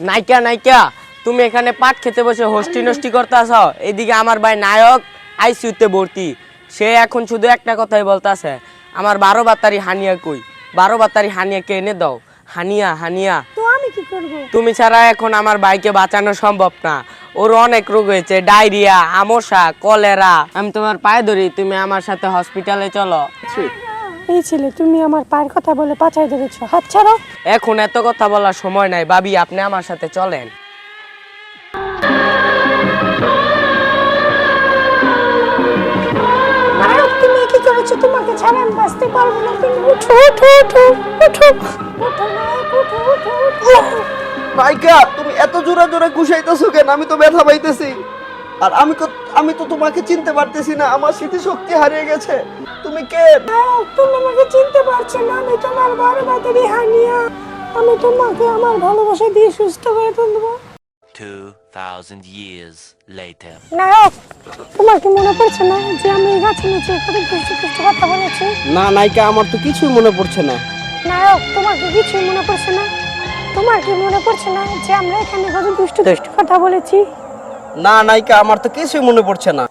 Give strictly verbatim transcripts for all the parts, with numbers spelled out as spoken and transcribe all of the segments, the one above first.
নাইকা নাইকা তুমি এখানে পাট খেতে বসে হোস্টি নষ্টি করতেছ, এদিকে আমার ভাই নায়ক আইসিইউতে ভর্তি। সে এখন শুধু একটা কথাই বলতাছে, আমার বারো বাতারি হানিয়া কই, বারো বাতারি হানিয়াকে এনে দাও। হানিয়া হানিয়া তো আমি কি করব? তুমি ছাড়া এখন আমার ভাইকে বাঁচানো সম্ভব না। ওর অনেক রোগ হয়েছে, ডায়রিয়া, আমশা, কলেরা। আমি তোমার পায়ে ধরি, তুমি আমার সাথে হসপিটালে চলো। এই ছেলে, তুমি আমার পায়ের কথা বলে পাছায় ধরেছো, হাত ছাড়ো। এখন এত কথা বলার সময় নাই ভাবি, আপনি আমার সাথে চলেন। নায়ক, তুমি কি করেছো? তোমাকে ছাড়া আমি বাঁচতে পারবো না। তুমি উঠো উঠো উঠো উঠো উঠো নায়ক, উঠো উঠো উঠো। নায়িকা, তুমি এত জোরে জোরে ঘুষাইতেছো কেন? আমি তো ব্যথা পাইতেছি। আর আমি তো আমি তো তোমাকে চিনতে পারতেছি না, আমার স্মৃতিশক্তি হারিয়ে গেছে। তুমি কে? নায়ক, তুমি আমাকে চিনতে পারছো না। আমি তোমার বড় বাতারি হানিয়া। আমি তোমাকে আমার ভালোবাসা দিয়ে সুস্থ করে তুলবো। two thousand years later. নায়ক, তোমার কি মনে পড়ছে না যে আমি এই গাছের নিচে কত দুষ্টু দুষ্টু কথা বলেছি? না নায়িকা, আমার তো কিছুই মনে পড়ছে না। নায়ক, তোমার কি কিছুই মনে পড়ছে না? তোমার কি মনে পড়ছে না যে আমরা এখানে কত দুষ্টু দুষ্টু কথা বলেছি? না নায়িকা, আমার তো কিছুই মনে পড়ছে না।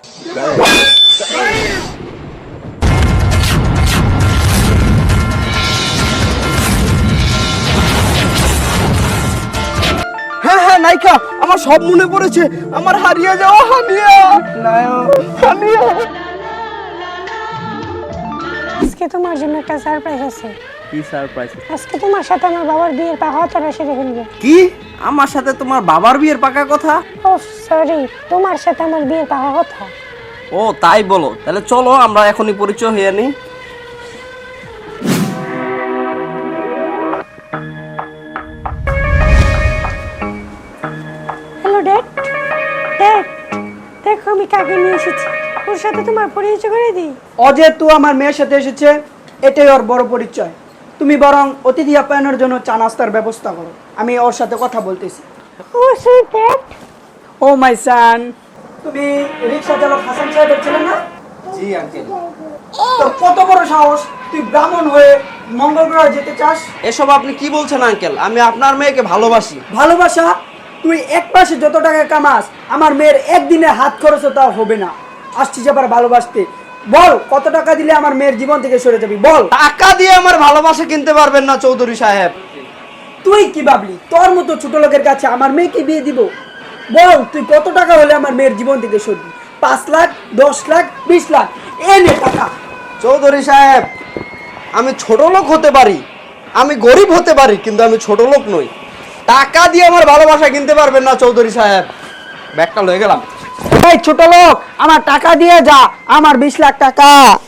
হ্যাঁ হ্যাঁ নায়িকা, আমার সব মনে পড়েছে। আমার হারিয়ে যাওয়া হানিয়া, নায়ক হানিয়া। আজকে তোমার জন্য একটা সারপ্রাইজ আছে। কি সারপ্রাইজ? আজকে তোমার সাথে আমার বাবার বিয়ের পাহাড়টা সেরে ফেলবো। কি? আমার সাথে তোমার বাবার বিয়ের পাকা কথা? ও সরি, তোমার সাথে আমার বিয়ের পাকা কথা। ও তাই বলো, তাহলে চলো আমরা এখনই পরিচয় হয়ে নিই। Hello dad. ড্যাড, দেখো আমি কাকে নিয়ে এসেছি। ওর সাথে তোমার পরিচয় করে দিই। অজেতু আমার মেয়ের সাথে এসেছে, এটাই ওর বড় পরিচয়। তুমি বরং অতিথি আপ্যায়নের জন্য চা নাস্তার ব্যবস্থা করো, আমি ওর সাথে কথা বলতেছি। ও সুইট ড্যাড। ও মাই সান, তুমি রিক্সা চালক হাসান সাহেবের ছেলে না? জি আঙ্কেল। তোর কত বড় সাহস, তুই ব্রাহ্মণ হয়ে মঙ্গল গ্রহে যেতে চাস? এসব আপনি কি বলছেন আঙ্কেল? আমি আপনার মেয়েকে ভালোবাসি। ভালোবাসা? তুই এক মাসে যত টাকা কামাস, আমার মেয়ের একদিনে হাত খরচ তাও হবে না। আসছিস আবার ভালোবাসতে? বল, কত টাকা দিলে আমার মেয়ের জীবন থেকে সরে যাবি? বল। টাকা দিয়ে আমার ভালোবাসা কিনতে পারবেন না চৌধুরী সাহেব। তুই কি ভাবলি তোর মতো ছোট লোকের কাছে আমার মেয়েকে বিয়ে দিব? বল, তুই কত টাকা হলে আমার মেয়ের জীবন থেকে সরবি? পাঁচ লাখ, দশ লাখ, বিশ লাখ, এ নে টাকা। চৌধুরী সাহেব, আমি ছোট লোক হতে পারি, আমি গরিব হতে পারি, কিন্তু আমি ছোট লোক নই। টাকা দিয়ে আমার ভালোবাসা কিনতে পারবেন না চৌধুরী সাহেব। ব্যাগটা লয়ে গেলাম। এই ছোট লোক, আমার টাকা দিয়ে যা, আমার বিশ লাখ টাকা।